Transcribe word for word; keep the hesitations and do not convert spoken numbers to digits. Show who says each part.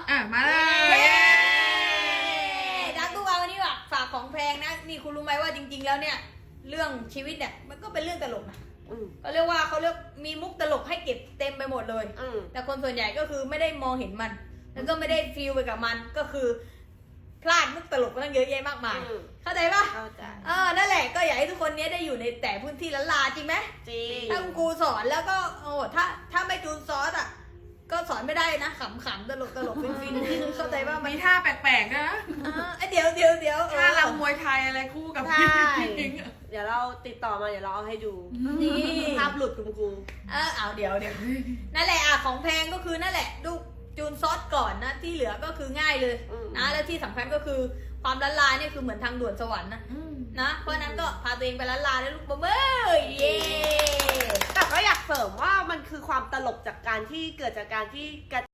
Speaker 1: อ่ะมาเลย
Speaker 2: ดักตู้วาวันนี้ว่ะฝากของแพงนะนี่คุณรู้ไหมว่าจริง ๆ แล้วเนี่ยเรื่องชีวิตเนี่ยมันก็เป็นเรื่องตลกนะก็เรียกว่าเขาเรียกมีมุกตลกให้เก็บเต็มไปหมดเลยแต่คนส่วนใหญ่ก็คือไม่ได้มองเห็นมันแล้วก็ไม่ได้ฟีลไปกับมันก็คือพลาดมุกตลกตั้งเยอะแยะมากมายเข้าใจปะ
Speaker 3: เข้าใจ
Speaker 2: เออนั่นแหละก็อยากให้ทุกคนเนี้ยได้อยู่ในแต่พื้นที่ละลาจริงไหม
Speaker 3: จริง
Speaker 2: ถ้าคุณครูสอนแล้วก็โอ้ถ้าถ้าไม่จูนซอสอ่ะก็สอนไม่ได้นะขำๆตลกตลกฟินฟินเข้าใจว่ามัน
Speaker 1: มีท่าแปลกๆนะ
Speaker 2: เดี๋ยวเดี๋ยวเดี๋ยว
Speaker 1: ท่ารำมวยไทยอะไรคู่กับพี่พิง
Speaker 3: เดี๋ยวเราติดต่อมาเดี๋ยวเราเอาให้ดู
Speaker 2: นี่
Speaker 3: ภาพหลุดคุณครู
Speaker 2: เออเอาเดี๋ยวเดี๋ยวนั่นแหละอ่ะของแพงก็คือนั่นแหละดูจูนซอสก่อนนะที่เหลือก็คือง่ายเลยนะแล้วที่สำคัญก็คือความละลายเนี่ยคือเหมือนทางด่วนสวรรค์นะนะเพราะนั้นก็พาตัวเองไปละลายแล้วลูกบ๊อบเบ้ยเย่
Speaker 3: แต่ก็อยากเสริมว่ามันคือความตลกจากการที่เกิดจากการที่กระ